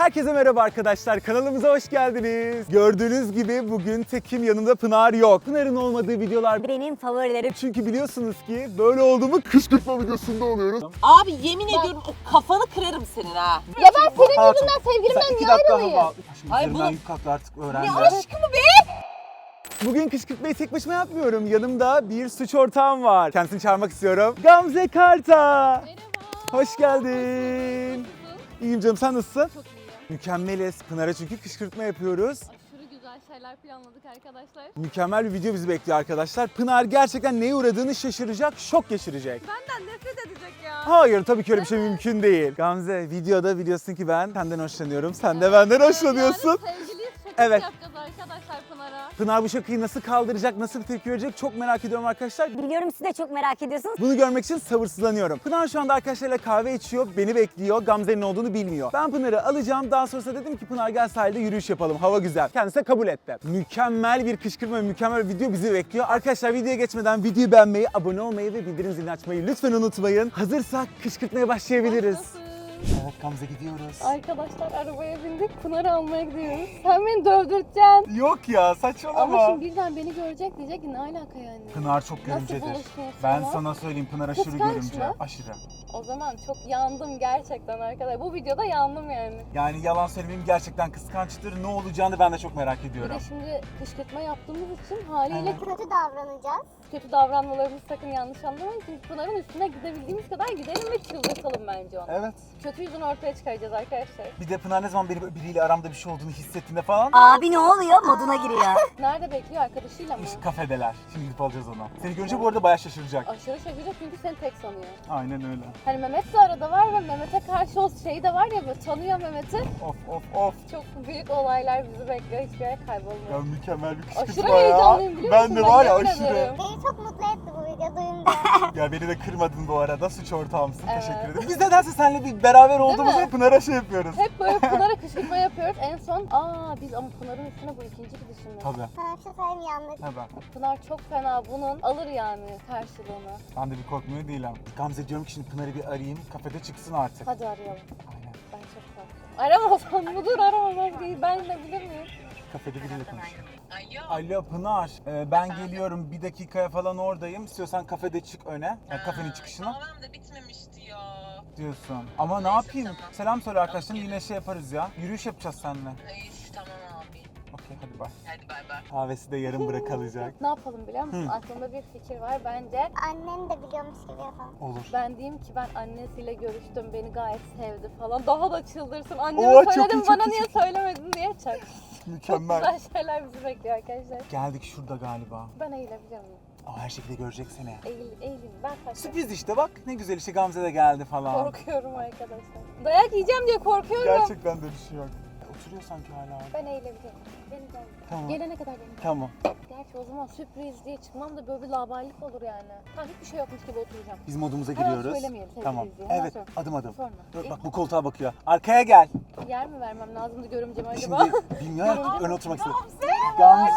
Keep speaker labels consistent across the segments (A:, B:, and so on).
A: Herkese merhaba arkadaşlar, kanalımıza hoş geldiniz. Gördüğünüz gibi bugün tekim, yanımda Pınar yok. Pınar'ın olmadığı videolar
B: Benim favorilerim.
A: çünkü biliyorsunuz ki böyle olduğumu kışkırtma videosunda oluyoruz.
C: Abi yemin ediyorum o kafanı kırarım senin ha.
B: Ya ben senin
A: Hayatım,
B: yüzünden sevgilimden
A: sen 2
B: niye
A: dakika
B: ayrılayım?
A: hava al.
C: Ay
A: Üzerinden
C: bunu-
A: yük kalktı artık öğrendi.
C: Ne aşkımı be?
A: Bugün kışkırtmayı tek başıma yapmıyorum. Yanımda bir suç ortağım var. Kendisini çağırmak istiyorum. Gamze Karta.
D: Merhaba.
A: Hoş geldin. İyiyim canım, sen nasılsın?
D: Çok iyiyim.
A: Mükemmeliz. Pınar'a çünkü kışkırtma yapıyoruz.
D: Aşırı güzel şeyler planladık arkadaşlar.
A: Mükemmel bir video bizi bekliyor arkadaşlar. Pınar gerçekten neye uğradığını şaşıracak, şok geçirecek.
D: Benden nefret edecek ya.
A: Hayır, tabii ki öyle bir şey mümkün değil. Gamze, videoda biliyorsun ki ben senden hoşlanıyorum. Sen de benden hoşlanıyorsun.
D: Yarın sevgiliyiz şakası
A: Evet.
D: yapacağız arkadaşlar Pınar'a.
A: Pınar bu şakayı nasıl kaldıracak, nasıl bir tepki verecek çok merak ediyorum arkadaşlar.
B: Biliyorum siz de çok merak ediyorsunuz.
A: Bunu görmek için sabırsızlanıyorum. Pınar şu anda arkadaşlarıyla kahve içiyor, beni bekliyor. Gamze'nin olduğunu bilmiyor. Ben Pınar'ı alacağım. Daha sonrasında dedim ki Pınar gel sahilde yürüyüş yapalım. Hava güzel. Kendisi de kabul etti. Mükemmel bir kışkırtma ve mükemmel bir video bizi bekliyor. Arkadaşlar videoya geçmeden videoyu beğenmeyi, abone olmayı ve bildirim zilini açmayı lütfen unutmayın. Hazırsak kışkırtmaya başlayabiliriz.
D: Nasıl?
A: Evet Gamze, gidiyoruz.
D: Arkadaşlar arabaya bindik, Pınar'ı almaya gidiyoruz. Sen beni dövdürteceksin.
A: Yok ya, saçmalama.
D: Ama şimdi birden beni görecek diyecek ki ne alaka yani?
A: Pınar çok
D: Nasıl
A: görümcedir.
D: buluştunuz
A: Ben
D: sonra?
A: sana söyleyeyim, Pınar aşırı
D: Kıskanç
A: görümce.
D: mı?
A: Aşırı.
D: O zaman çok yandım gerçekten arkadaşlar. Bu videoda yandım yani.
A: Yani yalan söylemeyeyim, gerçekten kıskançtır. Ne olacağını ben de çok merak
D: Bir
A: ediyorum.
D: de şimdi kışkırtma yaptığımız için haliyle
A: Evet.
B: Kötü davranacağız.
D: kötü davranmalarımızı sakın yanlış anlamayın. Çünkü Pınar'ın üstüne gidebildiğimiz kadar gidelim ve çıldırtalım bence onu.
A: Evet.
D: Kötü yüzünü ortaya çıkaracağız arkadaşlar.
A: Bir de Pınar ne zaman biriyle aramda bir şey olduğunu hissettiğinde falan
B: Abi ne oluyor? Moduna giriyor.
D: Nerede bekliyor, arkadaşıyla mı?
A: işte kafedeler. Şimdi gidip alacağız onu. Seni görünce bu arada bayağı şaşıracak.
D: Aşırı şaşıracak çünkü seni tek sanıyor.
A: Aynen öyle.
D: Hani Mehmet de arada var ve Mehmet'e karşı o şey de var ya, böyle tanıyor Mehmet'i.
A: Of.
D: Çok büyük olaylar bizi bekliyor, hiçbir yere
A: Ya
D: kaybolmuyor.
A: mükemmel bir kışkırtma
D: Aşırı
A: ya.
D: heyecanlıyım biliyor musun?
A: Ben de var ya
D: yemin
A: aşırı.
D: ederim.
B: Beni çok mutlu etti bu video duyunca.
A: Ya beni de kırmadın bu arada. Suç ortağımsın.
D: Evet.
A: Teşekkür ederim. Biz nedense seninle bir beraber olduğumuzda
D: mi?
A: Pınar'a şey yapıyoruz.
D: Hep böyle Pınar'a kışkırtma yapıyoruz. En son biz ama Pınar'ın üstüne bu ikinci gidişimiz.
A: Tabii.
B: Sana bir şey söyleyeyim yanlış.
A: Tabii.
D: Pınar çok fena, bunun alır yani karşılığını.
A: Ben de bir korkmuyor değilim. Gamze, diyorum ki şimdi Pınar'ı bir arayayım. Kafede çıksın artık.
D: Hadi arayalım.
A: Aynen.
D: Ben çok korkuyorum. Aramazsan mıdır, aramamaz değil. Ben de bilir miyim?
A: Kafede biriyle konuşuyorum. Alo Pınar, ben geliyorum, bir dakikaya falan oradayım. İstiyorsan kafede çık öne, yani kafenin çıkışına
C: Tamam da bitmemişti ya.
A: diyorsun. Ama ne yapayım? Selam söyle arkadaşlarım, yine şey yaparız ya. Yürüyüş yapacağız seninle.
C: Ay tamam abi.
A: Okey, hadi bay.
C: Hadi bay bay.
A: Kahvesi de yarım bırakılacak.
D: Ne yapalım biliyor musun? Aklımda bir fikir var. Bence
B: Annen de biliyormuş gibi yapalım.
A: Olur.
D: ben diyeyim ki ben annesiyle görüştüm, beni gayet sevdi falan. Daha da çıldırsın. Anneme
A: Oo, çok
D: söyledim,
A: iyi, çok
D: bana
A: iyi,
D: niye
A: çok iyi.
D: söylemedin diye çak. Çok
A: Mükemmel.
D: güzel şeyler bizi bekliyor arkadaşlar.
A: Geldik şurada galiba.
D: Ben eğilebilir miyim?
A: Ama her şekilde görecek seni.
D: Eğileyim. Ben kaçtım.
A: Sürpriz işte, bak ne güzel, işte Gamze de geldi falan.
D: Korkuyorum arkadaşlar. Dayak yiyeceğim diye korkuyorum.
A: Gerçekten de bir şey yok. Oturuyor sanki hala.
D: Ben eğilebilirim. Beni gel.
A: Tamam.
D: Gelene kadar beni gel.
A: Tamam.
D: Gerçi o zaman sürpriz diye çıkmam da böyle bir labaylık olur yani. Tamam, hiçbir şey yokmuş gibi oturacağım.
A: Biz modumuza
D: Hemen
A: giriyoruz.
D: söylemeyelim sevgili
A: Tamam.
D: izleyen. Hemen
A: Evet,
D: söyle.
A: adım adım.
D: Sonra.
A: Dur, bak bu koltuğa bakıyor. Arkaya gel.
D: Yer mi vermem lazımdı görümceme acaba?
A: Şimdi bilmiyorum, ön oturmak istedim. Gamze.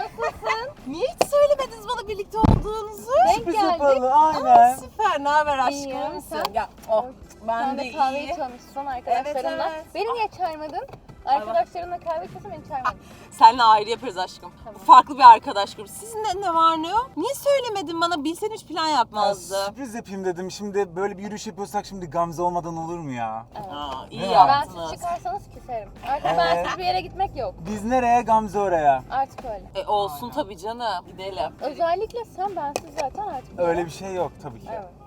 C: Niye hiç söylemediniz bana birlikte olduğunuzu?
D: Denk
A: Sürpriz
D: geldik.
A: yapalım, aynen.
C: Süper, ne haber
D: İyiyim,
C: aşkım?
D: sen?
C: Ya oh,
D: Sen
C: ben de
D: de kahve
C: iyi.
D: içiyormuşsun arkadaşlarınla.
C: Evet.
D: Beni niye çağırmadın? Arkadaşlarınla kahve içiyorsun, beni çağırmadın.
C: Seninle ayrı yaparız aşkım.
D: Tamam.
C: Farklı bir arkadaş grubu. Sizin ne var ne yok? Niye söylemedin bana? Bilsen hiç plan yapmazdı.
A: Sürpriz yapayım dedim. Şimdi böyle bir yürüyüş yapıyorsak şimdi Gamze olmadan olur mu ya?
D: Evet.
C: İyi
A: Ne
D: Ben
C: yaptınız.
D: siz çıkarsanız küserim. Artık bensiz bir yere gitmek yok.
A: Biz nereye, Gamze oraya?
D: Artık öyle.
C: Olsun tabii canım. Gidelim.
D: Özellikle sen bensiz zaten artık.
A: Öyle bir şey yok tabii ki.
D: Evet.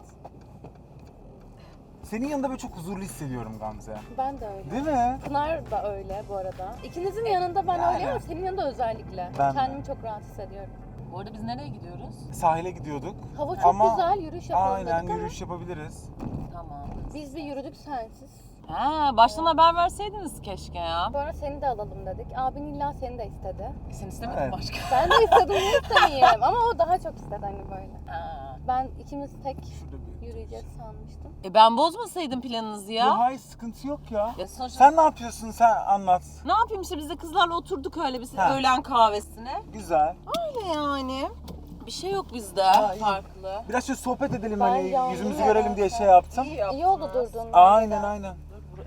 A: Senin yanında böyle çok huzurlu hissediyorum Gamze.
D: Ben de öyle.
A: Değil mi?
D: Pınar da öyle bu arada. İkinizin yanında ben
A: Yani.
D: öyleyim ama senin yanında özellikle.
A: Ben de.
D: Kendimi çok rahat hissediyorum.
C: Bu arada biz nereye gidiyoruz?
A: Sahile gidiyorduk.
D: Hava çok
A: Ama
D: güzel, yürüyüş yapalım
A: aynen
D: dedik ama
A: yürüyüş yapabiliriz.
C: Tamam.
D: biz bir yürüdük sensiz.
C: Ha, baştan haber verseydiniz keşke ya.
D: Sonra seni de alalım dedik. Abin illa seni de istedi.
C: Sen istemedin
A: Evet.
C: başka.
D: Ben de istedim, niye istemeyeyim? Ama o daha çok istedi hani böyle.
C: Ha.
D: Ben ikimiz tek
A: Şurada bir...
D: yürüyeceğiz sanmıştım.
C: Ben bozmasaydım planınızı ya.
A: Ya hayır, sıkıntı yok ya.
C: Ya sonuçta
A: Sen ne yapıyorsun, sen anlat.
C: ne yapayım işte, biz de kızlarla oturduk öyle bir
A: Ha.
C: öğlen kahvesine.
A: Güzel.
C: Öyle yani. Bir şey yok bizde
A: Ha, iyi.
C: farklı.
A: Biraz şöyle sohbet edelim,
D: Ben
A: hani
D: yandım
A: yüzümüzü
D: ya.
A: görelim diye şey yaptım.
D: İyi oldu durduğun.
A: Aynen aynen.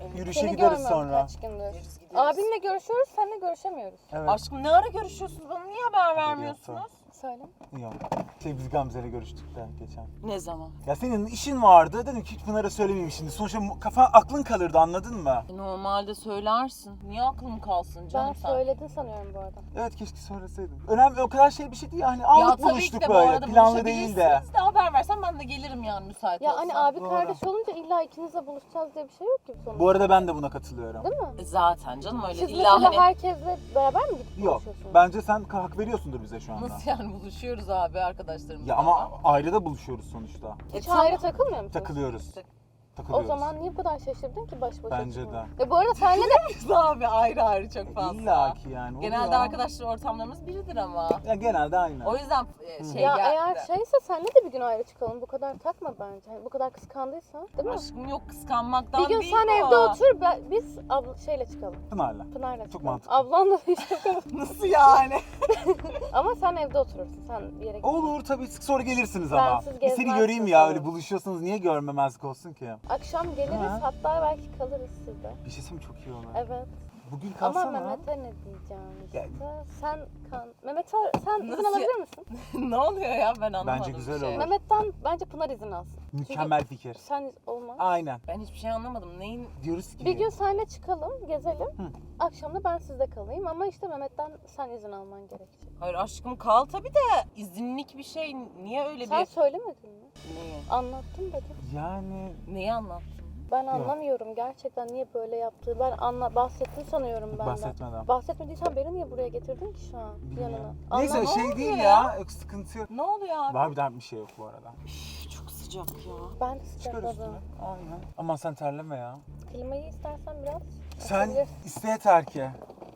A: Yürüyüşe
D: Seni
A: gideriz
D: görmüyorum
A: sonra.
D: kaç gündür.
C: Gideriz.
D: Abimle görüşüyoruz, seninle görüşemiyoruz.
A: Evet.
C: Aşkım ne ara görüşüyorsunuz? Bana niye haber vermiyorsunuz?
D: Söyle.
A: Yok. Biz Gamze'yle görüştük de geçen.
C: Ne zaman?
A: Ya senin işin vardı. Dedim ki hiç Pınar'a söylemeyeyim şimdi. Sonuçta aklın kalırdı, anladın mı?
C: Normalde söylersin. Niye aklım kalsın canım
D: Ben
C: sen?
D: söyledin sanıyorum bu arada.
A: Evet, keşke söyleseydim. Önemli, o kadar şey bir şey değil yani. Anlık
C: tabii ki
A: buluştuk
C: de bu
A: böyle.
C: arada
A: Planlı değil de.
C: buluşabilirsiniz de haber versen ben de gelirim yani müsait
D: Ya
C: olsam.
D: hani abi
A: Doğru.
D: kardeş olunca illa ikinizle buluşacağız diye bir şey yok ki sonuçta.
A: Bu arada ben de buna katılıyorum.
D: Değil mi?
C: Zaten canım öyle
D: Siz
C: illa
D: mesela
C: hani...
D: herkesle beraber mi gidip
A: Yok.
D: buluşuyorsunuz?
A: Bence sen hak veriyorsundur bize şu anda.
C: Nasıl yani buluşuyoruz abi arkadaşlarımızla?
A: Ya ama ayrı da buluşuyoruz sonuçta.
D: Hiç
C: tamam.
D: ayrı takılmıyor musunuz?
A: Takılıyoruz.
D: O
A: Takılıyoruz.
D: zaman niye bu kadar şaşırdın ki baş başa
A: Bence
D: çıkmaya?
A: de.
D: Bu arada senle de
C: Biz abi ayrı ayrı çok fazla.
A: İlla ki yani.
C: Genelde
A: oluyor.
C: arkadaşlar ortamlarımız biridir ama.
A: Ya genelde aynı.
C: O yüzden şey
D: ya
C: geldi.
D: eğer şeyse senle de bir gün ayrı çıkalım. Bu kadar takma bence. Hani bu kadar kıskandıysan, değil mi?
C: Aşkım yok kıskanmaktan
D: Bir gün
C: değil
D: sen
C: o.
D: evde otur, biz şeyle çıkalım.
A: Pınar'la.
D: Pınar'la çıkalım.
A: mantıklı.
D: Ablanla hiç çıkalım.
C: Nasıl yani?
D: Ama sen evde oturursun. Sen bir yere git.
A: Olur tabii, sonra gelirsiniz ama.
D: Bensiz
A: Bir seni
D: gezmezsin
A: göreyim ya,
D: sonra.
A: öyle buluşuyorsanız niye görmemezlik olsun ki?
D: Akşam geliriz,
A: Ha.
D: hatta belki kalırız sizde.
A: Bir şey söyleyeyim, çok iyi olur.
D: Evet.
A: Bugün
D: Ama
A: kalsana.
D: Mehmet'e ne diyeceğim işte.
A: Ya-
D: Mehmet sen izin
C: Nasıl
D: alabilir misin?
C: ne oluyor ya ben anlamadım.
A: Bence güzel
C: bir şey.
A: olur.
D: Mehmet'ten bence Pınar izin alsın.
A: Mükemmel fikir.
D: Sen olmaz.
A: Aynen.
C: Ben hiçbir şey anlamadım. Neyin?
A: Diyoruz ki.
D: Bir gün seninle çıkalım, gezelim.
A: Hı.
D: Akşam da ben sizde kalayım ama işte Mehmet'ten sen izin alman gerekecek.
C: Hayır aşkım kal tabii de izinlik bir şey. Niye öyle
D: Sen
C: bir...
D: söylemedin mi?
C: Neyi?
D: Anlattım dedim.
A: Yani
C: Neyi anlattın?
D: Ben anlamıyorum gerçekten niye böyle yaptığı. Ben bahsettin sanıyorum benden.
A: bahsetmeden.
D: Bahsetmediysen beni niye buraya getirdin ki şu an
A: Bilmiyorum.
D: yanına?
A: Neyse
D: Anlamadım.
A: şey değil
C: oluyor
A: ya. Yok, sıkıntı yok.
C: Ne oluyor abi?
A: Var, bir daha bir şey yok bu arada.
C: Üf, çok sıcak ya.
D: Ben de
A: Çıkar üstüne.
D: sıcakladım.
A: Aynen. Aman sen terleme ya.
D: Klimayı istersen biraz
A: Sen
D: açabilirsin.
A: iste yeter ki.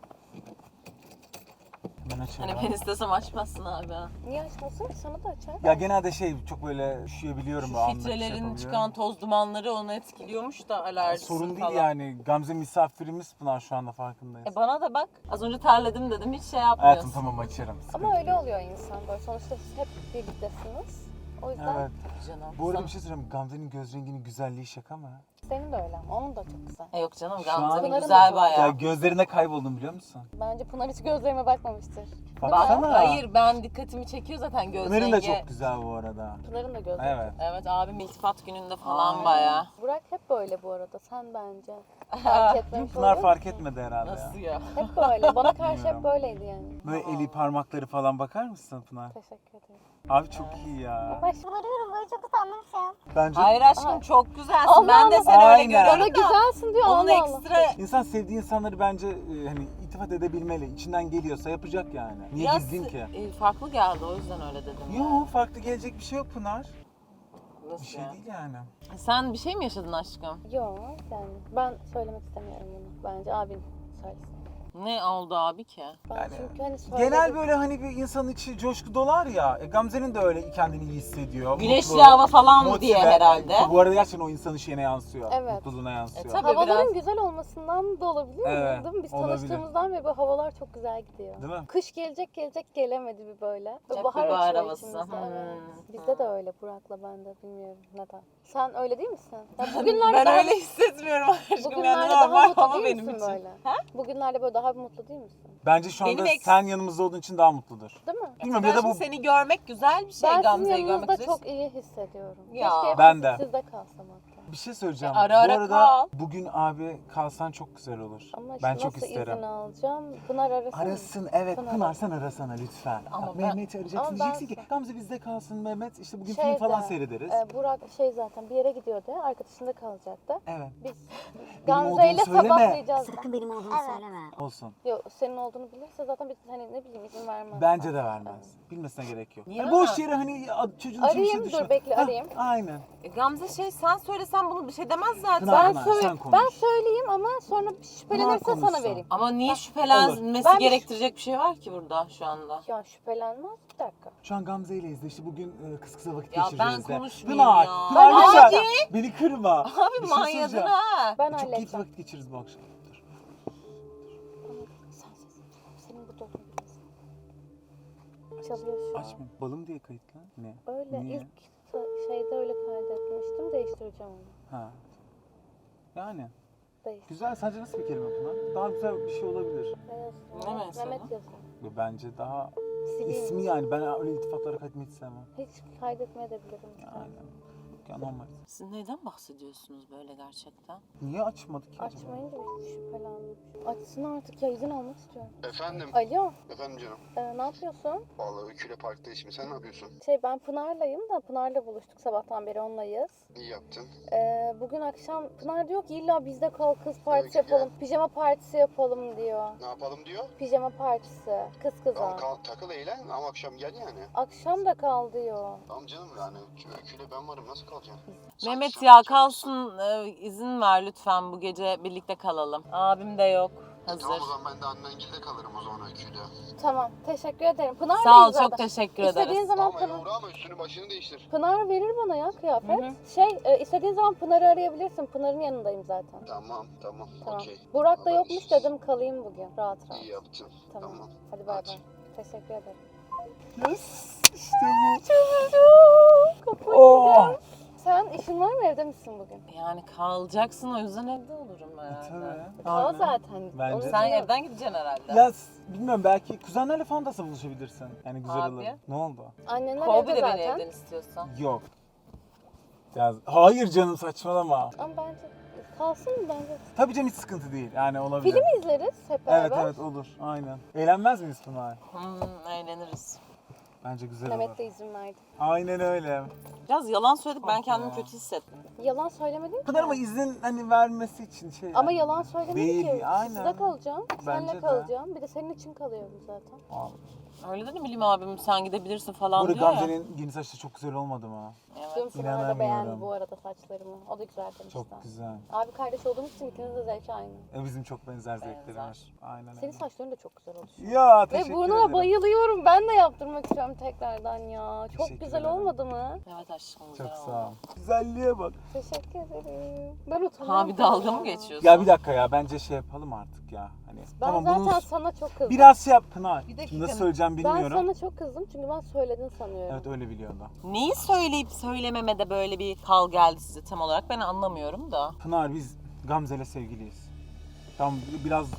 A: Ben açarım.
C: Hani ben istesem açmazsın abi.
D: Niye açmasın? Sana da açar.
A: Ya genelde çok böyle üşüyebiliyorum. böyle
C: Şu
A: anlık şey
C: filtrelerin
A: yapabiliyorum.
C: çıkan toz dumanları onu etkiliyormuş da alerjisi
A: Sorun değil
C: falan.
A: yani. Gamze misafirimiz Pınar, şu anda farkındayız.
C: Bana da bak. Az önce terledim dedim hiç şey yapmıyorsun.
A: Hayatım tamam, açarım. Sıkıntı
D: Ama öyle
A: yok.
D: oluyor insan böyle. Sonuçta siz hep birliktesiniz. O yüzden
A: Evet.
C: Canım.
A: Bu arada
C: Sana-
A: bir şey söyleyeyim. Gamze'nin göz renginin güzelliği şaka mı?
D: senin de öyle ama onun da çok güzel.
C: Yok canım
A: Şu an-
C: Gamze'nin
D: Pınar'ın da
C: güzel
D: çok-
A: Ya
C: bayağı.
A: gözlerine kayboldum, biliyor musun?
D: Bence Pınar hiç gözlerime bakmamıştır.
C: Bak,
A: Baksana.
C: hayır ben dikkatimi çekiyor zaten göz
A: Ömer'in de
C: rengi.
A: çok güzel bu arada.
D: Pınar'ın da gözleri.
A: Evet.
C: Evet abim iltifat gününde falan
A: Aynen.
C: bayağı.
D: Burak hep böyle bu arada. Sen bence. Fark etmemiş
A: Pınar
D: olabilir
A: fark
D: misin?
A: etmedi herhalde
C: Nasıl
A: ya.
C: ya?
D: Hep böyle. Bana karşı
A: Bilmiyorum.
D: hep böyleydi yani.
A: Böyle eli parmakları falan bakar mısın Pınar?
D: Teşekkür ederim.
A: Abi çok iyi ya.
D: Baş...
B: Varıyorum böyle çok utandım şu an.
A: Bence
C: Hayır aşkım
D: Ay.
C: çok güzelsin.
D: Allah
C: ben de
D: Allah.
C: seni öyle
A: Aynen.
C: görüyorum
D: Bana
C: da.
D: güzelsin diyor.
C: Onun
D: Allah Allah.
C: ekstra...
A: insan sevdiği insanları bence hani iltifat edebilmeli. İçinden geliyorsa yapacak yani. Niye
C: Biraz
A: gizlin ki?
C: farklı geldi o yüzden öyle dedim.
A: Yok, farklı gelecek bir şey yok Pınar.
C: Nasıl
A: Bir şey
C: ya?
A: değil yani.
C: Sen bir şey mi yaşadın aşkım?
D: Yok yani ben söylemek istemiyorum bunu. Bence abin söylesin.
C: Ne oldu abi ki?
D: Ben
A: Yani
D: çünkü hani söyledim.
A: Genel böyle hani bir insanın içi coşku dolar ya. Gamze'nin de öyle kendini iyi hissediyor.
C: Güneşli
A: mutlu,
C: hava falan
A: motive.
C: diye herhalde.
A: Bu arada gerçekten o insanın şeyine yansıyor.
D: Evet.
A: Mutluluğuna yansıyor.
C: tabii.
D: Havaların
C: biraz-
D: güzel olmasından da olabilir mi?
A: Evet,
D: Değil mi? Biz
A: olabilir.
D: tanıştığımızdan beri böyle havalar çok güzel gidiyor.
A: Değil mi?
D: Kış gelecek gelemedi bir böyle.
C: Çok
D: Bahar
C: bir bahar
D: açıyor
C: havası.
D: içimizde. Evet.
C: Hmm.
D: Bizde de öyle Burak'la ben de bilmiyorum neden. Sen öyle değil misin? Ya bugünlerde
C: Ben
D: daha,
C: öyle hissetmiyorum aşkım. Yani
D: bugünlerde daha
C: normal
D: mutlu
C: hava
D: değil
C: benim
D: misin
C: için.
D: böyle? Bugünlerde böyle daha mutlu değil misin?
A: Bence şu anda
C: Benim
A: sen yanımızda olduğun için daha mutludur.
D: Değil mi?
A: Bilmiyorum
C: Ben
A: ya da
C: şimdi
A: bu
C: seni görmek güzel bir şey.
D: Ben sizin
C: Gamze'yi görmek
D: yanınızda
C: güzel.
D: çok iyi hissediyorum.
C: Ya.
D: Keşke
A: Ben
D: hep
A: de.
D: sizde kalsam hatta.
A: bir şey söyleyeceğim.
C: Ara ara
A: bu arada
C: kal.
A: bugün abi kalsan çok güzel olur.
D: Ama işte
A: Ben çok
D: nasıl
A: isterim.
D: izin alacağım? Pınar arasın.
A: Arasın, evet
D: Pınar
A: Pınar,
D: arasın.
A: sen arasana lütfen.
C: Ama
A: Bak,
C: ben-
A: Mehmet'i arayacaksın,
D: Ama
A: diyeceksin
D: ben-
A: ki Gamze bizde kalsın Mehmet, işte bugün film
D: Şeyde,
A: falan seyrederiz.
D: Burak zaten bir yere gidiyordu. Arkadaşında kalacaktı.
A: Evet,
D: Biz
A: olduğunu
D: Gamze ile
A: söyleme.
D: sabahlayacağız.
B: Sakın benim olduğumu Evet. söyleme.
A: olsun.
D: Yok senin olduğunu bilirse zaten biz hani ne bileyim izin vermez.
A: Bence de vermez. Bilmesine gerek yok.
C: Niye
A: Hani boş
C: ama?
A: yere hani çocuğun için bir şey
D: Arayayım, dur,
A: düşme.
D: bekle,
A: Hah,
D: arayayım.
A: Aynen.
C: Gamze sen söylesen bunu bir şey demez zaten.
A: Pınar,
D: Ben,
A: Pınar, sen konuş.
D: ben söyleyeyim ama sonra şüphelenirse sana
A: konuşsun.
D: vereyim.
C: Ama niye şüphelenmesi
D: Ben-
C: gerektirecek bir şey var ki burada şu anda?
D: Ya şüphelenmez bir dakika.
A: Şu an Gamze ileyiz de işte bugün kız kıza vakit
C: Ya
A: geçireceğiz
C: ben
A: de.
C: konuşmayayım
A: Pınar,
C: ya.
A: Pınar
D: Ben
A: lütfen.
D: halledeceğim.
A: Beni kırma.
C: Abi
A: Bir şey
C: manyadın
A: söyleyeceğim.
C: ha.
D: Ben
A: Çok keyifli
D: halledeceğim.
A: vakit geçiririz bu akşam. Dur.
D: Sen sesini çıkar. Senin burada olduğunu bilirsin. Çalıyor şu an.
A: Açma. Balım diye kayıtlı. Ne?
D: Öyle
A: Niye?
D: ilk şeyde öyle kaydetmiştim. Değiştireceğim onu.
A: Ha. Yani.
D: değil.
A: Güzel. Sence nasıl bir kelime Pınar? Daha güzel bir şey olabilir.
C: Ne mesela?
D: Mehmet yazın.
A: Bence daha
D: Sileyim.
A: ismi yani. Ben öyle iltifatlara kaydetmeyi hiç sevmem.
D: Hiç kaydetmeyebilirim.
A: Aynen. Ya normal.
C: Siz neyden bahsediyorsunuz böyle gerçekten?
A: Niye açmadık ki acaba?
D: Açmayınca bir şüphelendim. Açsın artık ya, izin almak istiyorum.
E: Efendim?
D: Alo,
E: Efendim canım.
D: ne yapıyorsun?
E: Vallahi Öykü'yle parkta şimdi sen ne yapıyorsun?
D: Ben Pınar'layım da Pınar'la buluştuk, sabahtan beri onlayız.
E: İyi yaptın.
D: Bugün akşam Pınar diyor ki illa bizde kal, kız partisi
E: Öykü
D: yapalım, pijama partisi yapalım diyor.
E: Ne yapalım diyor.
D: Pijama partisi, kız kıza.
E: Tamam takıl eğlen ama akşam gel yani.
D: Akşam da kal diyor.
E: Tamam canım yani Öykü'yle ben varım nasıl kalacağım?
C: Mehmet
E: Sen-
C: ya
E: sen-
C: kalsın, izin ver lütfen, bu gece birlikte kalalım. Abim de yok. Hazır.
E: Tamam o zaman ben de annengilde kalırım o zaman Öykü'yle.
D: Tamam, teşekkür ederim. Pınar
C: Sağ ol,
D: zaten.
C: çok teşekkür
D: İstediğin
C: ederiz.
D: zaman
E: Ama
D: Pınar,
E: uğra ama üstünü başını değiştir.
D: Pınar verir bana ya kıyafet. İstediğin zaman Pınar'ı arayabilirsin. Pınar'ın yanındayım zaten.
E: Tamam
D: Tamam.
E: okey.
D: Burak da
E: Haber
D: yokmuş,
E: işsiz.
D: dedim kalayım bugün rahat rahat.
E: İyi yaptın.
D: Tamam.
E: Tamam.
D: Hadi bay
E: Hadi.
D: bay. Teşekkür ederim.
A: Yes. İşte bu.
D: Kafayı
A: Oh.
D: yiyeceğim. Sen işin var mı, evde misin bugün?
C: Yani kalacaksın, o yüzden evde olurum herhalde.
A: Tabii.
D: O
A: Aynen.
D: zaten.
A: Bence
D: Onu
A: de.
C: Sen
D: biliyorum.
C: evden gideceksin herhalde.
A: Ya bilmiyorum, belki kuzenlerle falan da buluşabilirsin. Yani güzel
C: Abi.
A: olur. Ne oldu?
D: Annenler
C: Kov
D: evde
C: bir de beni
D: zaten.
C: evden istiyorsan.
A: Yok. Ya hayır canım, saçmalama.
D: Ama bence kalsın bence.
A: Tabii canım, hiç sıkıntı değil. Yani olabilir.
D: Film izleriz hep
A: Evet
D: beraber.
A: evet olur. Aynen. Eğlenmez miyiz Pınar?
C: Eğleniriz.
A: Bence güzel
D: Mehmet
A: olur.
D: de izin verdi.
A: Aynen öyle.
C: Biraz yalan söyledik, ben
A: Ah
C: kendimi
A: ya.
C: kötü hissettim.
D: Yalan söylemedin ki.
A: Pınar ama izin hani vermesi için şey.
D: Ama
A: yani.
D: yalan söylemedi
A: Değil,
D: ki.
A: aynen.
D: Sizde kalacağım.
A: Bence
D: Seninle
A: de.
D: kalacağım. Bir de senin için kalıyorum zaten.
A: Vallahi.
C: Öyle dedim Bilim abim, sen gidebilirsin falan
A: Burada
C: diyor ya.
A: Gamze'nin yeni saçları çok güzel olmadı mı?
C: Evet.
D: Dün Pınar da
A: İnanamıyorum.
D: beğendi bu arada saçlarımı. O da güzel demişti.
A: Çok güzel.
D: Abi kardeş olduğumuz için ikiniz de zevki aynı.
A: Bizim çok benzer zevkleri
C: Benzer.
A: var. Aynen öyle.
D: Senin saçların da çok güzel oluşuyor.
A: Ya
D: Ve
A: teşekkür
D: burnuna
A: ederim.
D: bayılıyorum. Ben de yaptırmak istiyorum tekrardan ya. Çok
A: Teşekkür
D: güzel
A: ederim.
D: olmadı mı?
C: Evet aşkım,
A: Çok
C: güzel
A: sağ ol.
C: oldu.
A: Güzelliğe bak.
D: Teşekkür ederim. Ben utanıyorum.
C: Ha bir dalga mı
D: ya.
C: geçiyorsun?
A: Ya bir dakika ya, bence şey yapalım artık ya. Hani
D: Ben
A: tamam
D: zaten
A: bunu
D: sana çok kızdım.
A: biraz şey yap Pınar.
C: Bir dakika.
A: Nasıl söyleyeceğim
D: Ben
A: bilmiyorum.
D: sana çok kızdım çünkü ben söyledin sanıyorum.
A: Evet öyle biliyorum da.
C: Neyi söyleyip söylememede böyle bir kal geldi size tam olarak, ben anlamıyorum da.
A: Pınar biz Gamze'yle sevgiliyiz. Tamam biraz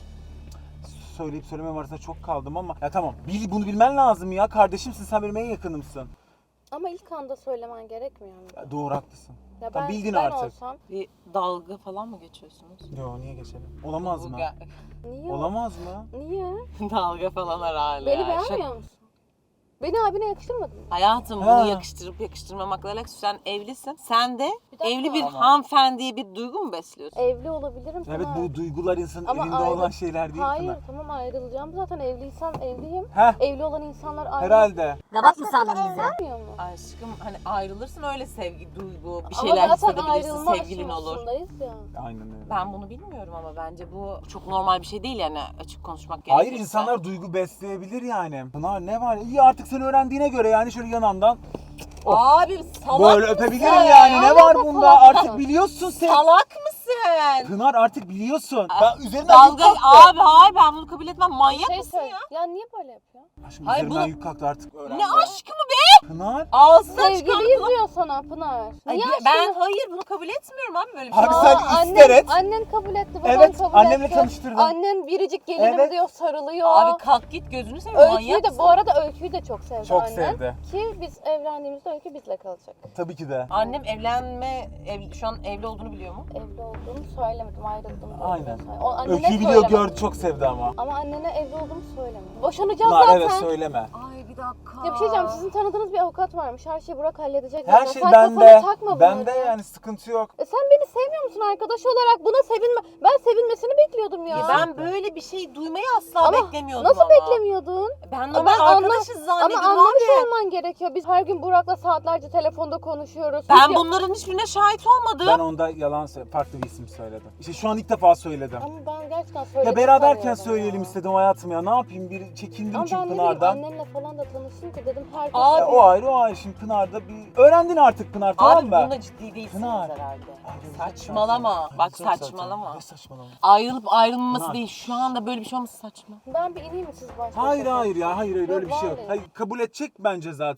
A: söyleyip söylemem arasında çok kaldım ama ya tamam bunu bilmen lazım ya, kardeşimsin, sen benim en yakınımsın.
D: Ama ilk anda söylemen gerekmiyor mu?
A: Ya doğru haklısın.
D: Ya
A: Tamam, bildin
D: ben
A: artık.
D: olsam
C: Bir dalga falan mı geçiyorsunuz?
A: Yo niye geçelim? Olamaz
C: Bu
A: mı?
D: niye?
A: Olamaz mı?
D: Niye?
C: Dalga falan herhalde.
D: Beni
C: ya.
D: beğenmiyor musun? Beni abine yakıştırmadın mı?
C: Hayatım
A: Ha.
C: bunu yakıştırıp yakıştırmamakla alakası. Sen evlisin. Sen de
D: Bir dakika.
C: evli bir
A: Ama-
C: hanımefendiye bir duygu mu besliyorsun?
D: Evli olabilirim
A: Evet
D: Pınar.
A: bu duygular insanın
D: Ama
A: elinde
D: ayrı-
A: olan şeyler değil
D: Hayır
A: Pınar.
D: tamam ayrılacağım zaten, evliysem evliyim.
A: Heh
D: Evli olan insanlar ayrı.
A: herhalde.
B: Gavat mı sandın bizi?
D: Bilmiyor mu?
C: Aşkım hani ayrılırsın, öyle sevgi, duygu, bir
D: Ama
C: şeyler
D: zaten
C: hissedebilirsin,
D: ayrılma
C: sevgilin olur.
D: aşamasındayız ya.
A: Aynen öyle.
C: Ben bunu bilmiyorum ama bence bu çok normal bir şey değil yani, açık konuşmak gerekirse.
A: Hayır, insanlar duygu besleyebilir yani. Pınar ne var? İyi artık sen öğrendiğine göre yani şöyle yanından
C: Abi salak
A: böyle
C: mısın?
A: öpebilirim yani. Ne var bunda?
D: salak
A: Artık
D: mısın?
A: biliyorsun sen.
C: Salak mısın?
A: Pınar artık biliyorsun. Ben üzerinden yük
C: Dalga,
A: kalktı.
C: abi hayır, ben bunu kabul etmem. Manyak mısın
D: söyle.
C: ya?
D: Ya niye böyle yapıyor?
A: Aşkım
C: Hayır,
A: üzerinden
C: bunu-
A: yük kalktı artık öğrendi.
C: Ne aşkı mı be?
A: Pınar.
C: Ağzından çıkan
D: Sevgiliyiz diyor sana Pınar.
C: Ay,
D: Niye
C: ben hayır bunu kabul etmiyorum abi, böyle bir şey.
A: Abi
C: Aa,
A: sen ister et.
D: Annen kabul etti, baban
A: Evet,
D: kabul
A: annemle
D: etti.
A: tanıştırdım.
D: Annen biricik gelinim
A: Evet.
D: diyor, sarılıyor.
C: Abi kalk git, gözünü seveyim,
D: Öyküyü
C: manyak
D: de
C: mısın?
D: bu arada Öyküyü de çok sevdi
A: Çok
D: annen.
A: sevdi.
D: Ki biz evlendiğimizde Öykü bizle kalacak.
A: Tabii ki de.
C: Annem şu an evli olduğunu biliyor mu?
D: Evli olduğumu söylemedim, ayrıldım. diye
A: Aynen.
D: O annene
A: Öyküyü biliyor,
D: söylemedim.
A: gördü, çok sevdi ama.
D: Ama annene evli olduğumu söylemedim. Boşanacağız
A: Pınar
D: zaten.
A: evet söyleme.
C: Ay bir dakika.
D: Ya bir şey diyeceğim, sizin tanıdığınız bir avukat varmış. Her şeyi Burak halledecek
A: Her
D: zaten.
A: şey
D: Sen
A: bende.
D: kafana takma
A: Bende
D: bunları.
A: yani sıkıntı yok.
D: Sen beni sevmiyor musun arkadaş olarak? Buna sevinme. Ben sevinmesini bekliyordum ya.
C: Ben böyle bir şey duymayı asla
D: Ama
C: beklemiyordum
D: nasıl
C: ama.
D: beklemiyordun?
C: Ben normal arkadaşız zannediyordum
D: Ama anlamış
C: abi.
D: olman gerekiyor. Biz her gün Burak'la saatlerce telefonda konuşuyoruz.
C: Ben
D: Biz-
C: bunların hiçbirine şahit olmadım.
A: Ben onda yalan farklı bir isim söyledim. İşte şu an ilk defa söyledim.
D: Ama ben gerçekten söyledim
A: Ya beraberken
D: sanıyordum
A: söyleyelim
D: ya.
A: istedim hayatım ya. Ne yapayım? Bir çekindim
D: Ama
A: çünkü
D: ben ne bileyim,
A: Pınar'dan.
D: annenle falan da tanıştım ki dedim herkes...
C: Abi-
A: Ya o ayrı o ayrı. Şimdi Pınar'da bir... Öğrendin artık Pınar, tamam
C: Abi
A: mı?
C: bunda ciddi değilsiniz
A: Pınar.
C: herhalde.
A: Ayrılacak
C: Saçmalama.
A: zaten.
C: Bak
A: Ayrılacak
C: saçmalama.
A: zaten. Ne saçmalama?
C: Ayrılıp ayrılmaması
A: Pınar.
C: değil. Şu anda böyle bir şey olması saçma.
D: Ben bir ineyim mi siz başta?
A: Hayır hayır ya, hayır
D: Yok,
A: öyle bir şey yok.
D: vallahi.
A: Hayır, kabul edecek bence zaten.
D: Ben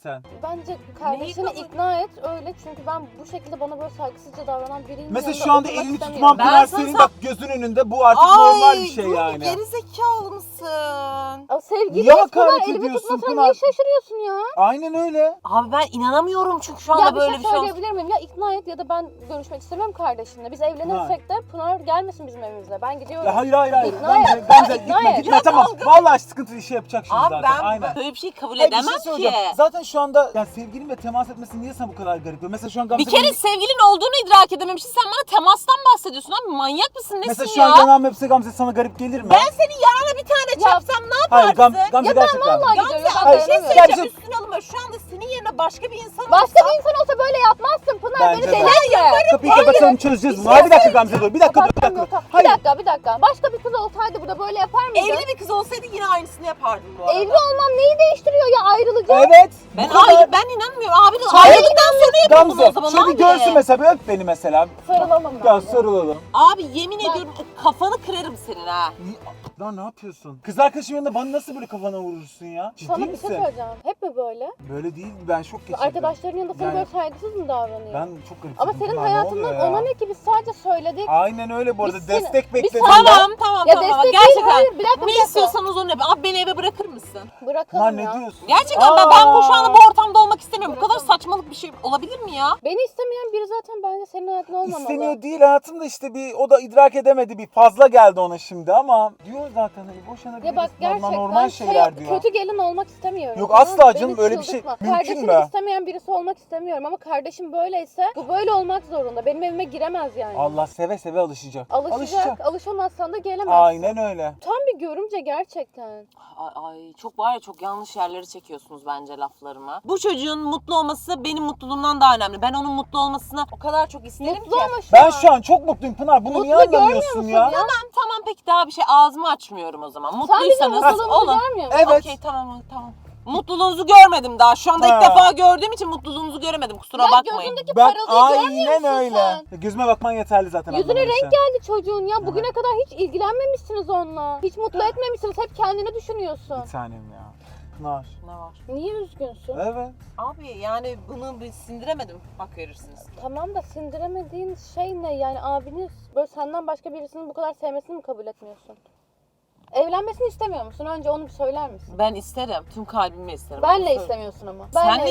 D: bence kardeşini
C: kabul-
D: ikna et öyle çünkü ben bu şekilde bana böyle saygısızca davranan biriyim.
A: Mesela
D: yanında
A: şu anda
D: oturmak
A: elini
D: istemiyorum.
A: tutmam
C: Ben
A: Pınar
C: sana-
A: senin bak gözün önünde bu artık normal bir şey
C: dur,
A: yani.
C: Gerizekalı mısın?
D: Ya sevgili
A: Niye
D: Pınar
A: hakaret
D: elimi
A: ediyorsun
D: tutmasana
A: Pınar?
D: niye şaşırıyorsun ya?
A: Aynen öyle.
C: Abi ben inanamıyorum çünkü şu anda
D: Ya bir
C: böyle
D: şey
C: bir şey olsun.
D: söyleyebilir miyim? Ya ikna et ya da ben görüşmek istemiyorum kardeşinle. Biz evlenirsek de Pınar gelmesin bizim evimize. Ben gidiyorum.
A: Ya hayır.
D: İkna
A: Gamze,
D: et.
A: Gamze
D: İkna
A: gitme
D: et.
A: gitme tamam. Vallahi sıkıntı işi yapacak şimdi
C: Abi
A: zaten.
C: ben
A: Aynen.
C: böyle bir şey kabul
A: Hayır, bir
C: edemem
A: şey
C: ki.
A: söyleyeceğim. Zaten şu anda yani sevgilinle temas etmesi niye sana bu kadar garip geliyor? Mesela şu an Gamze
C: Bir kere
A: benim-
C: sevgilin olduğunu idrak edememişsin. Sen bana temastan bahsediyorsun abi. Manyak mısın? Nesin
A: Mesela şu
C: ya?
A: an yanağım öpse Gamze sana garip gelir mi?
C: Ben senin yanına bir tane çarpsam ne
A: Hayır
C: yaparsın?
A: Gamze
D: Ya ben
A: gerçekten.
D: vallahi
C: Gamze
D: gidiyorum.
C: abi bir şey
D: dayanamıyorum.
C: söyleyeceğim üstüne alınma. Şu anda senin yerine başka bir insan
D: Başka
C: olsa-
D: bir insan olsa böyle yapmazsın Pınar.
A: Bence
D: Beni
A: de.
D: delirtme.
A: Kapıyı kapatalım çözeceğiz bunu. Hayır bir dakika Gamze dur. Bir dakika dur. Bir
D: Kapatamıyor,
A: dakika.
D: tamam.
A: Hayır.
D: Bir dakika. Başka bir kız olsaydı burada böyle yapar mıydın?
C: Evli bir kız olsaydı yine aynısını yapardım bu arada.
D: Evli olmam neyi değiştiriyor ya ayrılacağım.
A: Evet.
C: Ben
A: bu kadar.
C: hayır ben inanmıyorum. Abi de
A: Hayır.
C: ayrıldıktan sonra yapın bunu o
A: Gamze
C: zaman
A: şöyle
C: abi.
A: bir görsün mesela bir öp beni mesela.
D: Sarılamam ben.
A: Gel sarılalım.
C: Abi yemin ediyorum kafanı kırarım senin ha.
A: Lan ne yapıyorsun? Kız arkadaşım yanında bana nasıl böyle kafana vurursun ya? Ciddi
D: Sana bir şey
A: misin?
D: söyleyeceğim. Hep mi böyle?
A: Böyle değil ben şok geçirdim.
D: Arkadaşların yanında sana
A: Yani-
D: böyle saygısız mı davranıyor?
A: Ben çok garip.
D: Ama senin hayatından ona ne ki biz sadece söyledik.
A: Aynen öyle bu arada
D: Biz seni-
A: destek
D: biz
A: bekledim.
D: sana-
A: ben.
C: Tamam
D: Ya
C: tamam.
D: destek değil,
C: Gerçekten.
D: hayır, bir dakika, bir
C: Ne
D: dakika.
C: istiyorsanız onu yapın. Abi beni eve bırakır mısın?
D: Bırakalım
A: Lan ne
D: ya.
A: diyorsun?
C: Gerçekten ben bu şu anda bu ortamda olmak istemiyorum. Bu kadar saçmalık bir şey olabilir mi ya?
D: Beni istemeyen biri zaten bence senin hayatın olmamalı.
A: İstemiyor değil hayatım da işte bir o da idrak edemedi bir fazla geldi ona şimdi ama diyor zaten hani boşanabiliriz.
D: Ya bak gerçekten
A: normal şeyler diyor.
D: kötü gelin olmak istemiyorum.
A: Yok,
D: Tamam,
A: asla
D: beni
A: canım, öyle bir şey
D: çıldırtma.
A: mümkün
D: Kardeşini
A: mü?
D: istemeyen birisi olmak istemiyorum ama kardeşim böyleyse bu böyle olmak zorunda. Benim evime giremez yani.
A: Allah seve seve alışacak.
D: Alışacak. Alışamazsan da gelemez.
A: Aynen öyle.
D: Tam bir görümce gerçekten.
C: Ay çok var ya çok yanlış yerlere çekiyorsunuz bence laflarımı. Bu çocuğun mutlu olması benim mutluluğumdan daha önemli. Ben onun mutlu olmasını o kadar çok isterim
D: Mutlu
C: ki.
D: ama şu
A: Ben
D: an.
A: şu an çok mutluyum Pınar. Bunu niye
D: Mutlu görmüyor
A: anlamıyorsun
D: musun
A: ya?
C: Tamam peki daha bir şey ağzımı açmıyorum o zaman.
D: Sen bizim
C: Mutluysanız
D: mutluluğumuzu
C: olun.
D: görmüyor musun?
A: Evet.
C: Okey tamam. Mutluluğunuzu görmedim daha. Şu anda
A: Ha.
C: ilk defa gördüğüm için mutluluğunuzu göremedim. Kusura
D: Ya
C: bakmayın.
D: gözündeki
A: Ben
D: parılıyı görmüyor
A: aynen
D: musun
A: öyle.
D: sen?
A: Gözüme bakman yeterli zaten.
D: Yüzüne
A: anlaman
D: renk
A: için.
D: geldi çocuğun ya. Bugüne kadar hiç ilgilenmemişsiniz onunla. Hiç mutlu etmemişsiniz. Hep kendini düşünüyorsun.
A: Bir tanem ya. Pınar.
C: Ne var?
D: Niye üzgünsün?
A: Evet.
C: Abi yani bunu bir sindiremedim. Bak verirsiniz.
D: Tamam da sindiremediğin şey ne? Yani abiniz böyle senden başka birisinin bu kadar sevmesini mi kabul etmiyorsun? Evlenmesini istemiyor musun? Önce onu bir söyler misin?
C: Ben isterim. Tüm kalbimle isterim.
D: Benle
C: Onu
D: istemiyorsun ama.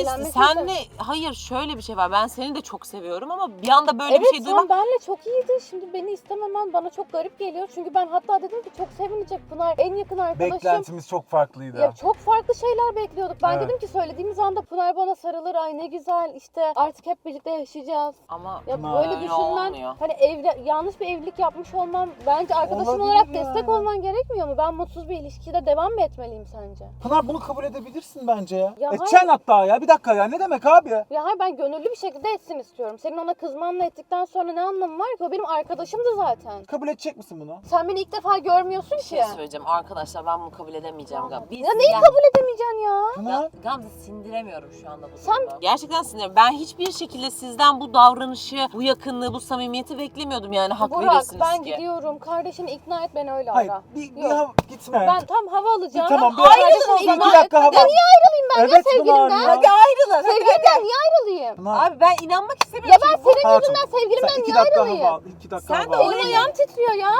C: Senle hayır şöyle bir şey var. Ben seni de çok seviyorum ama bir anda böyle
D: Evet
C: bir şey duymak.
D: sen benle çok iyiydin. Şimdi beni istememen bana çok garip geliyor. Çünkü ben hatta dedim ki çok sevinecek Pınar. En yakın arkadaşım.
A: Beklentimiz çok farklıydı.
D: Ya çok farklı şeyler bekliyorduk. Ben
A: Evet.
D: dedim ki söylediğimiz anda Pınar bana sarılır. Ay ne güzel işte artık hep birlikte yaşayacağız.
C: Ama
D: Ya
A: Pınar,
D: böyle
C: öyle
D: düşünmen
C: olmuyor.
D: hani yanlış bir evlilik yapmış olmam bence arkadaşım
A: Olabilir
D: olarak
A: ya.
D: destek olman gerekmiyor mu? Ben mutsuz bir ilişkide devam mı etmeliyim sence?
A: Pınar bunu kabul edebilirsin bence ya.
D: Ya
A: Edeceksin hatta ya. Bir dakika ya. Ne demek abi?
D: Ya hayır ben gönüllü bir şekilde etsin istiyorum. Senin ona kızmanla ettikten sonra ne anlamı var ki? O benim arkadaşımdı zaten.
A: Kabul edecek misin bunu?
D: Sen beni ilk defa görmüyorsun
C: bir
D: ki.
C: şey söyleyeceğim arkadaşlar ben bunu kabul edemeyeceğim. Biz
D: Ya neyi kabul edemeyeceksin ya?
A: Pınar.
C: Gamze sindiremiyorum şu anda bu
D: Sen-
C: durumu. Gerçekten sindiremiyorum. Ben hiçbir şekilde sizden bu davranışı, bu yakınlığı, bu samimiyeti beklemiyordum yani hak
D: Burak
C: verirsiniz
D: ben
C: ki.
D: gidiyorum. Kardeşini ikna et beni öyle
A: Hayır.
D: ara.
A: Bir
D: Yok.
A: gitme.
D: Ben tam hava alacağım.
A: Tamam, bir
D: Kardeşini
A: ayrılın o
D: ikna
A: zaman.
D: et.
A: Bir dakika hava-
D: Ya niye ayrılayım ben
A: Evet,
D: ya sevgilimden?
A: Pınar ya.
C: Hadi ayrılın.
D: Sevgilimden niye ayrılayım?
A: Pınar.
C: Abi ben inanmak istemiyorum.
D: Ya ben
C: çünkü bu-
D: senin
A: Hayatım,
D: yüzünden
A: sen
D: sevgilimden
A: 2
D: niye
A: dakika
D: ayrılayım?
A: hava al. 2 dakika
C: Sen de
A: hava al.
D: Elim ayağım titriyor ya.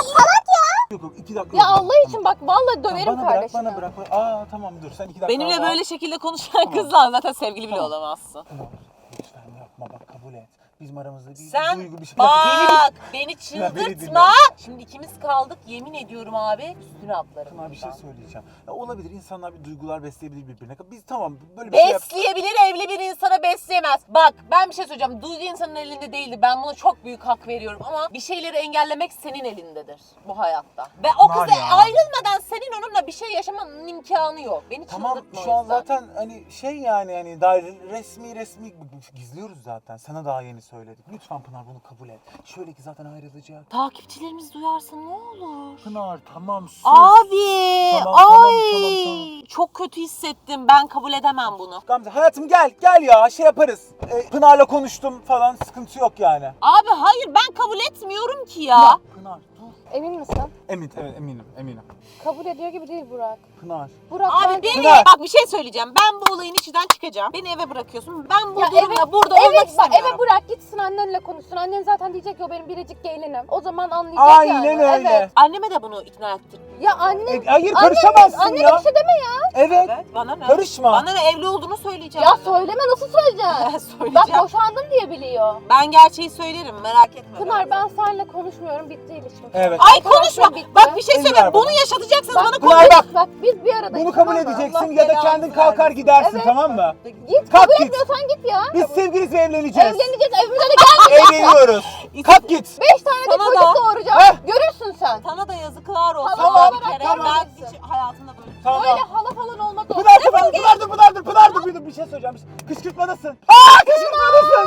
A: Yok yok 2 dakika.
D: Ya
A: yok.
D: Allah için bak vallahi döverim
A: Bana bırak,
D: kardeşini.
A: bana bırak. Aa tamam dur sen 2 dakika
C: Benimle
A: hava al.
C: böyle şekilde konuşan kızla zaten sevgili bile
A: Tamam.
C: olamazsın.
A: Pınar, lütfen yapma bak kabul et. Bizim aramızda bir
C: Sen
A: duygu bir şey.
C: bak beni
A: beni
C: çıldırtma. Şimdi ikimiz kaldık yemin ediyorum abi üstüne atlarım.
A: Pınar bir şey
C: buradan.
A: söyleyeceğim. Ya olabilir insanlar bir duygular besleyebilir birbirine. Biz tamam böyle bir şey yap.
C: Besleyebilir evli bir insana besleyemez. Bak ben bir şey söyleyeceğim. Duygu insanın elinde değildi. Ben buna çok büyük hak veriyorum ama bir şeyleri engellemek senin elindedir bu hayatta. Ve o
A: Var
C: kız
A: ya.
C: ayrılmadan senin onunla bir şey yaşamanın imkanı yok. Beni
A: Tamam
C: çıldırtma
A: şu
C: o
A: an
C: yüzden.
A: zaten hani şey yani hani daha resmi gizliyoruz zaten. Sana daha yeni söyledik. Lütfen Pınar bunu kabul et. Şöyle ki zaten ayrılacak.
C: Takipçilerimiz duyarsa ne olur?
A: Pınar tamam sus.
C: Abi
A: Tamam,
C: ay
A: tamam.
C: çok kötü hissettim. Ben kabul edemem bunu.
A: Gamze hayatım gel ya şey yaparız. Pınar'la konuştum falan sıkıntı yok yani.
C: Abi hayır ben kabul etmiyorum ki ya.
A: Pınar dur.
D: Emin misin?
A: eminim.
D: Kabul ediyor gibi değil Burak.
A: Pınar.
D: Burak
C: Abi
D: bence-
C: beni
A: Pınar.
C: bak bir şey söyleyeceğim. Ben bu olayın içinden çıkacağım. Beni eve bırakıyorsun. Ben bu
D: Ya
C: durumda burada olmak
D: bak,
C: istemiyorum.
D: eve bırak gitsin annenle konuşsun. Annen zaten diyecek ki o benim biricik gelinim. O zaman anlayacak
A: Aynen
D: yani.
A: öyle.
D: Evet.
C: Anneme de bunu ikna ettim.
D: Ya anne.
A: Hayır karışamazsın
D: Annene
A: ya.
D: bir şey deme ya.
A: Evet.
C: Evet bana ne?
A: Karışma.
C: Bana ne evli olduğunu söyleyeceğim.
D: Ya söyleme, nasıl söyleyeceksin? Bak
C: Söyleyeceğim.
D: boşandım diye biliyor.
C: Ben gerçeği söylerim merak etme.
D: Pınar ben seninle konuşmuyorum, bitti ilişkim.
A: Evet.
C: Ay
D: Arkadaşlar
C: konuşma.
D: bitti.
C: Bak bir şey
A: Elini ver
C: söyleyeyim.
A: bana.
C: Bunu yaşatacaksınız bana
A: Pınar
C: konuş.
A: bak.
D: Bak biz bir aradayız.
A: Bunu kabul
D: tamam mı?
A: edeceksin
C: Allah
A: ya da
C: belanı
A: kendin kalkar
C: versin.
A: gidersin,
D: Evet.
A: tamam mı?
D: Git
A: Kalk
D: kabul
A: git.
D: etmiyorsan git ya.
A: Biz sevgiliyiz ve evleneceğiz.
D: Evleneceğiz, evimize de gel.
A: Evleniyoruz. Kalk git.
D: 5 tane de
C: Sana
D: çocuk
C: da.
D: doğuracağım.
A: Heh.
D: Görürsün sen.
C: Sana da yazıklar olsun.
D: Tamam,
C: bir kere.
D: tamam.
C: Ben hiç hayatımda böyle.
A: Tamam.
D: Böyle hala falan olmaz o.
A: Pınar dur, bir şey söyleyeceğim. Kışkırtmadasın. Kışkırtmadasın.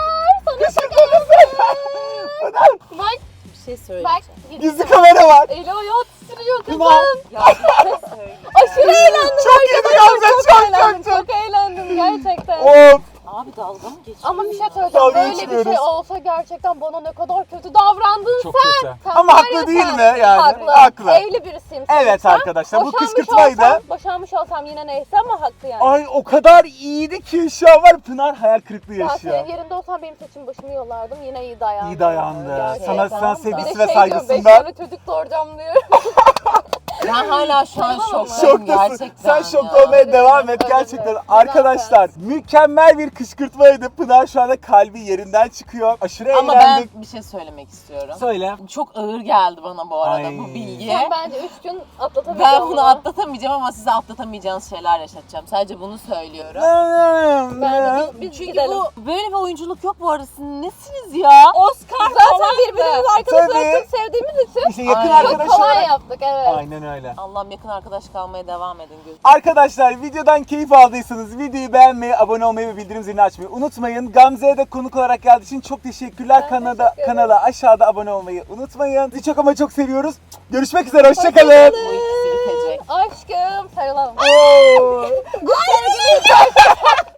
A: Pınar.
D: Bak
C: Bir şey söyleyeceğim.
D: bak.
A: Gizli kamera var.
D: Eli ayağı titriyor kızım.
A: Pınar.
C: Ya bir şey söyle.
D: Aşırı eğlendim.
A: Çok iyiydi Gamze,
D: eğlendim. Çok eğlendim gerçekten.
A: Of.
C: Abi dalga mı geçiyorsun?
D: Ama bir şey
A: Dalga
D: söyleyeceğim. Böyle bir
A: geçmiyoruz.
D: şey olsa gerçekten bana ne kadar kötü davrandın
A: Çok
D: sen.
A: kötü.
D: Sen
A: Ama
D: var
A: haklı
D: ya
A: değil
D: sen.
A: mi yani?
D: Haklı.
A: Haklı.
D: Evli birisiyim.
A: Evet
D: sen.
A: arkadaşlar, bu
D: Boşanmış
A: kışkırtmaydı.
D: Boşanmış olsam yine neyse ama haklı yani.
A: Ay o kadar iyiydi ki şu an var, Pınar hayal kırıklığı
D: Ben
A: yaşıyor.
D: senin yerinde olsam benim saçım başımı yollardım. Yine iyi dayandı.
A: İyi dayandı.
D: Gerçekten.
A: Sana
D: Bir de
A: sevgisi
D: şey
A: ve
D: diyor, 5
A: saygısından.
D: tane çocuk doğuracağım diyor.
C: Ben hala şu an
D: Tamam.
C: şoktayım
A: Şoktasın.
C: gerçekten.
A: Sen şok
C: ya.
A: olmaya devam et
D: Öyle
A: gerçekten.
D: mi?
A: Arkadaşlar mükemmel bir kışkırtmaydı. Pınar şu anda kalbi yerinden çıkıyor. Aşırı
C: Ama ben
A: eğlendik.
C: bir şey söylemek istiyorum.
A: Söyle.
C: Çok ağır geldi bana bu arada
A: Ay.
C: bu bilgi.
D: Sen bence 3 gün atlatamayacağım.
C: Ben bunu atlatamayacağım ama size atlatamayacağınız şeyler yaşatacağım. Sadece bunu söylüyorum.
D: Bence biz
C: Çünkü
D: gidelim.
C: bu böyle bir oyunculuk yok bu arada. Siz nesiniz ya? Oscar
D: Zaten
C: falan
D: birbirimizi
C: mı?
D: arkadaş
A: Tabii.
D: olarak çok sevdiğimiz için
A: İşte yakın
C: Ay.
D: çok
A: arkadaş
D: kolay
A: olarak.
D: yaptık evet.
A: Aynen öyle.
C: Allah'ım yakın arkadaş kalmaya devam edin.
A: Arkadaşlar videodan keyif aldıysanız videoyu beğenmeyi, abone olmayı ve bildirim zilini açmayı unutmayın. Gamze'ye de konuk olarak geldiği için çok teşekkürler.
D: Ben teşekkür ederim.
A: Kanala aşağıda abone olmayı unutmayın. Sizi çok ama çok seviyoruz. Görüşmek üzere, hoşçakalın.
C: Bu ikisi bitecek.
D: Aşkım sarılalım.
A: Oo.
D: Sevgili